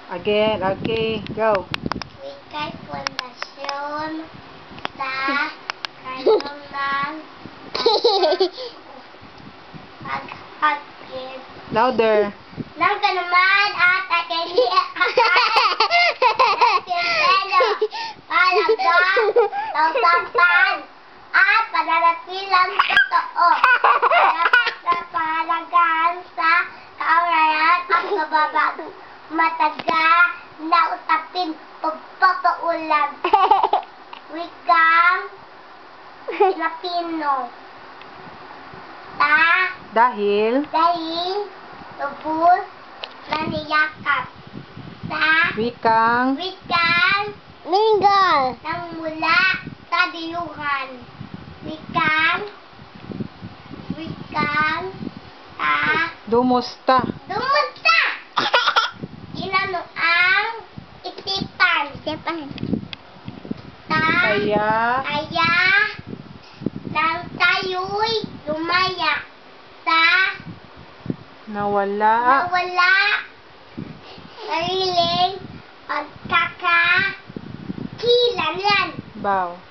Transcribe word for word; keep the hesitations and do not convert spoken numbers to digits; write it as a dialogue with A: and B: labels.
A: Again, okay, go.
B: Wika'y pundasyon sa kanunang paghagis
A: Louder.
B: ng kanuman at akinian palagang tausapan at pananatilang totoo dapat pahalagaan sa kaurayan at kababag mataga na usapin pagpapaulang wikang Pilipino ta
A: Dahil
B: dahil lubos na niyakap sa
A: wikang
B: wikang
C: Mingle.
B: nang mula sa diyuhan. Wikang wikang ta
A: dumusta.
B: dumusta inano ang isipan
C: Siapa?
B: ta
A: Kaya
B: kaya nang tayo'y lumaya sa
A: nawala
B: nawala sariling pagkakakilanlan.
A: baw.